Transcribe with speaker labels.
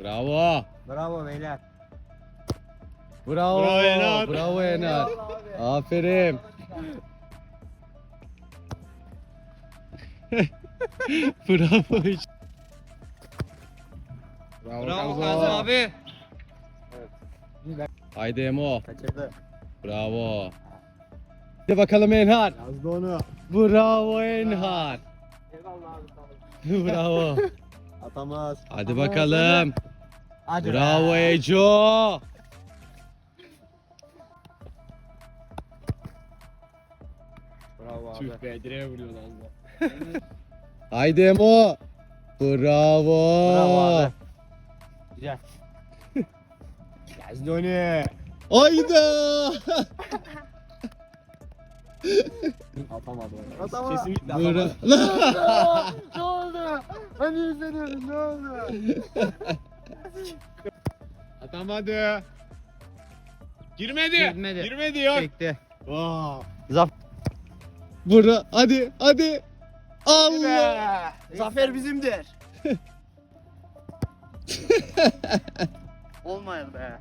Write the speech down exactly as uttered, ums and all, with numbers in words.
Speaker 1: Bravo.
Speaker 2: Bravo beyler.
Speaker 1: Bravo.
Speaker 3: Bravo Enar.
Speaker 1: Bravo Enar. Aferin. Bravo. Bravo,
Speaker 3: Bravo
Speaker 1: Kazım.
Speaker 3: Kazım abi.
Speaker 1: Haydi Emo.
Speaker 2: Kaçırdı.
Speaker 1: Bravo. Hadi bakalım Enhar.
Speaker 2: Yazdı onu.
Speaker 1: Bravo Enhar.
Speaker 2: Eyvallah abi.
Speaker 1: Bravo.
Speaker 2: Atamaz.
Speaker 1: Hadi bakalım.
Speaker 2: Hadi
Speaker 1: Bravo
Speaker 2: be.
Speaker 1: Eco.
Speaker 2: Bravo abi.
Speaker 3: Tüh be direğe vuruyor lan.
Speaker 1: Haydi Emo. Bravo.
Speaker 2: Bravo abi. Güzel. Yazdı onu.
Speaker 1: Hayda.
Speaker 2: Atamadı onu. Atamadı. Kesinlikle
Speaker 1: Bra-
Speaker 2: atamadı. Ne oldu? Hani izleniyoruz ne oldu?
Speaker 3: Atamadı. Girmedi.
Speaker 2: Girmedi.
Speaker 3: Girmedi yok.
Speaker 2: Çekti.
Speaker 3: Wow.
Speaker 2: Zaf
Speaker 1: Bra hadi hadi. Allah.
Speaker 2: Zafer bizimdir. Olmayır be.